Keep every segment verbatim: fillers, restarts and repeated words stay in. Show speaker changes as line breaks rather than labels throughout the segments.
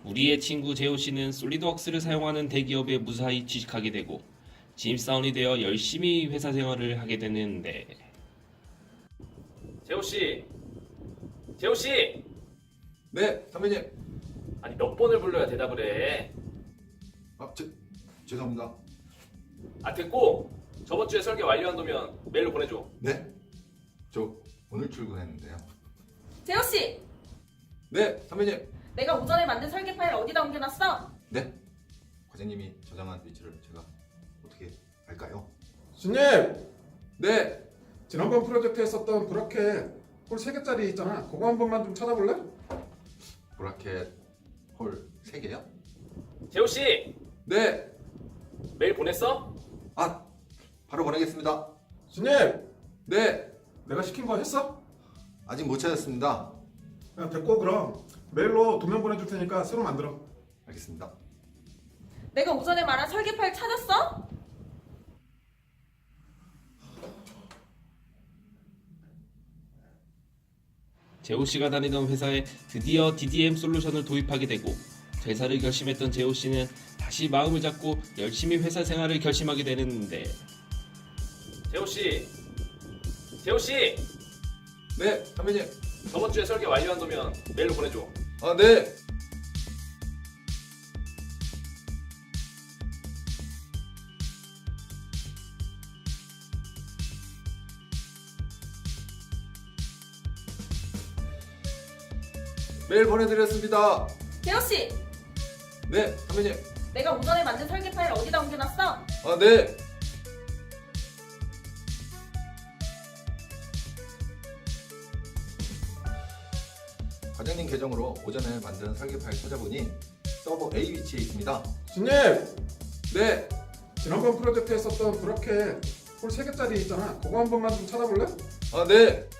우리의 친구 재호 씨는 솔리드웍스를 사용하는 대기업에 무사히 취직하게 되고 신입사원이 되어 열심히 회사 생활을 하게 되는데 재호 씨, 재호 씨,
네, 선배님.
아니 몇 번을 불러야 대답을 해?
아, 제, 죄송합니다.
아 됐고 저번 주에 설계 완료한다면 메일로 보내줘.
네, 저 오늘 출근했는데요.
재호 씨,
네, 선배님.
내가 오전에 만든 설계 파일 어디다 옮겨놨어?
네, 과장님이 저장한 위치를 제가 어떻게 알까요?
주님!
네,
지난번 프로젝트에 썼던 브라켓 홀 세 개짜리 있잖아. 그거 한 번만 좀 찾아볼래?
브라켓 홀 세 개요?
재호 씨,
네,
메일 보냈어?
아, 바로 보내겠습니다.
주님!
네,
내가 시킨 거 했어?
아직 못 찾았습니다.
야, 됐고 그럼 메일로 도면 보내줄 테니까 새로 만들어.
알겠습니다.
내가 오전에 말한 설계 파일 찾았어?
재호 씨가 다니던 회사에 드디어 디디엠 솔루션을 도입하게 되고 퇴사를 결심했던 재호 씨는 다시 마음을 잡고 열심히 회사 생활을 결심하게 되는데 재호 씨, 재호 씨,
네, 선배님.
저번 주에 설계 완료한다면 메일로 보내줘.
아, 네. 메일 보내드렸습니다.
재호 씨,
네, 선배님.
내가 오전에 만든 설계 파일 어디다 옮겨놨어?
아, 네. 과장님 계정으로 오전에 만든 설계 파일 찾아보니 서버 A 위치에 있습니다.
주님!
네,
지난번 프로젝트에 썼던 브라켓 홀 세 개짜리 있잖아. 그거 한 번만 좀 찾아볼래?
아, 네.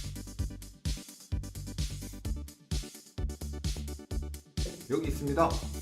여기 있습니다.